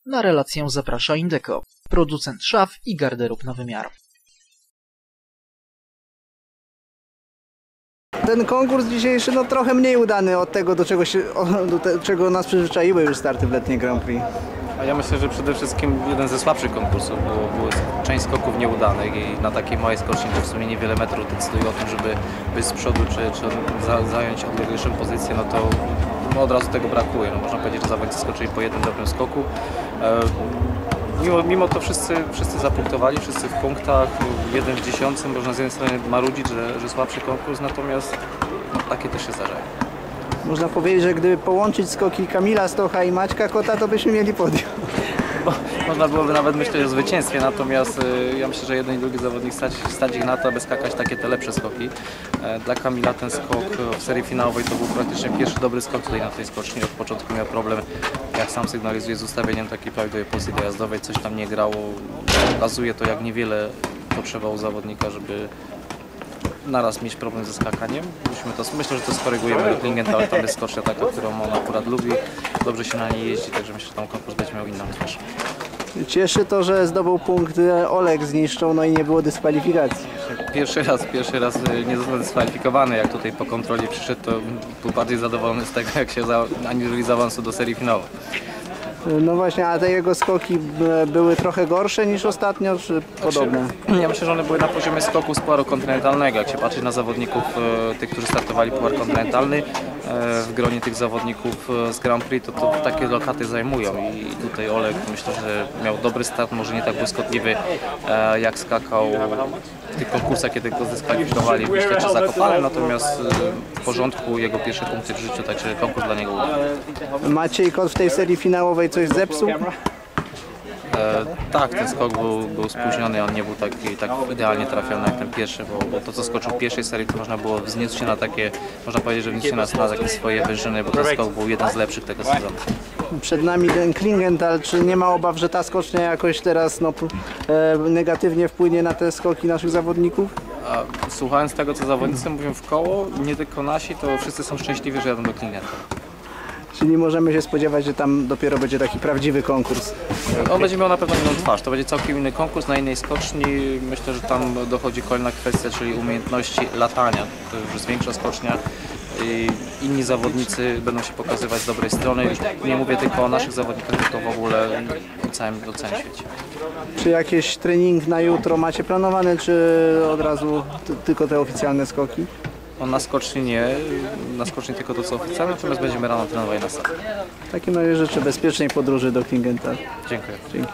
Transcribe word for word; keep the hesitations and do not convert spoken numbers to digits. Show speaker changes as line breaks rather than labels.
Na relację zaprasza Indeco, producent szaf i garderób na wymiar.
Ten konkurs dzisiejszy no trochę mniej udany od tego, do czego, się, do te, czego nas przyzwyczaiły już starty w letniej Grand Prix.
A ja myślę, że przede wszystkim jeden ze słabszych konkursów, bo było część skoków nieudanych i na takiej małej skoczni, to w sumie niewiele metrów decyduje o tym, żeby być z przodu czy, czy za, zająć odleglejszą pozycję, no to no od razu tego brakuje. No można powiedzieć, że zawodnicy skoczyli po jednym dobrym skoku. E, mimo, mimo to wszyscy, wszyscy zapunktowali, wszyscy w punktach, jeden w dziesiątym. Można z jednej strony marudzić, że, że słabszy konkurs, natomiast no, takie też się zdarzają.
Można powiedzieć, że gdyby połączyć skoki Kamila Stocha i Maćka Kota, to byśmy mieli podium.
Bo można byłoby nawet myśleć o zwycięstwie, natomiast y, ja myślę, że jeden i drugi zawodnik stać, stać ich na to, aby skakać takie te lepsze skoki. E, dla Kamila ten skok w serii finałowej to był praktycznie pierwszy dobry skok tutaj na tej skoczni. Od początku miał problem, jak sam sygnalizuje, z ustawieniem takiej prawidłowej pozycji dojazdowej, coś tam nie grało. Pokazuje to, jak niewiele potrzeba u zawodnika, żeby naraz mieć problem ze skakaniem. To, myślę, że to skorygujemy do Klingenthal, tam jest skocznia taka, którą on akurat lubi, dobrze się na niej jeździ, także myślę, że tam konkurs będzie miał inną twarz.
Cieszy to, że zdobył punkt Oleg zniszczą, no i nie było dyskwalifikacji.
Pierwszy raz, pierwszy raz nie został dyskwalifikowany, jak tutaj po kontroli przyszedł, to był bardziej zadowolony z tego, jak się za, aniżeli z awansu do serii finałowej.
No właśnie, a te jego skoki były trochę gorsze niż ostatnio, czy podobne?
Znaczy, ja myślę, że one były na poziomie skoku z puaru kontynentalnego. Jak się patrzy na zawodników, tych, którzy startowali puar kontynentalny, w gronie tych zawodników z Grand Prix, to, to takie lokaty zajmują i tutaj Oleg, myślę, że miał dobry start, może nie tak błyskotliwy, jak skakał w tych konkursach, kiedy go zdyskwalifikowali w Biszkecie Zakopane, natomiast w porządku jego pierwsze punkty w życiu, także konkurs dla niego udany.
Maciej Kot w tej serii finałowej coś zepsuł?
E, tak, ten skok był, był spóźniony, on nie był taki, tak idealnie trafiony jak ten pierwszy, bo, bo to co skoczył w pierwszej serii, to można było wznieść się na takie, można powiedzieć, że wznieść się na, na takie swoje wyżyny, bo ten skok był jeden z lepszych tego sezonu.
Przed nami ten Klingenthal, czy nie ma obaw, że ta skocznia jakoś teraz no, e, negatywnie wpłynie na te skoki naszych zawodników?
A, słuchając tego, co zawodnicy mówią w koło, nie tylko nasi, to wszyscy są szczęśliwi, że jadą do Klingenthal.
Czyli możemy się spodziewać, że tam dopiero będzie taki prawdziwy konkurs.
On będzie miał na pewno inną twarz, to będzie całkiem inny konkurs na innej skoczni. Myślę, że tam dochodzi kolejna kwestia, czyli umiejętności latania. To już jest większa skocznia i inni zawodnicy będą się pokazywać z dobrej strony. Nie mówię tylko o naszych zawodnikach, tylko w ogóle o całym, o całym świecie.
Czy jakieś trening na jutro macie planowane, czy od razu tylko te oficjalne skoki?
On na skoczni nie, na skoczni tylko to co oficjalne, natomiast będziemy rano trenowali na sali.
W takim razie życzę bezpiecznej podróży do Klingenthal.
Dziękuję.
Dzięki.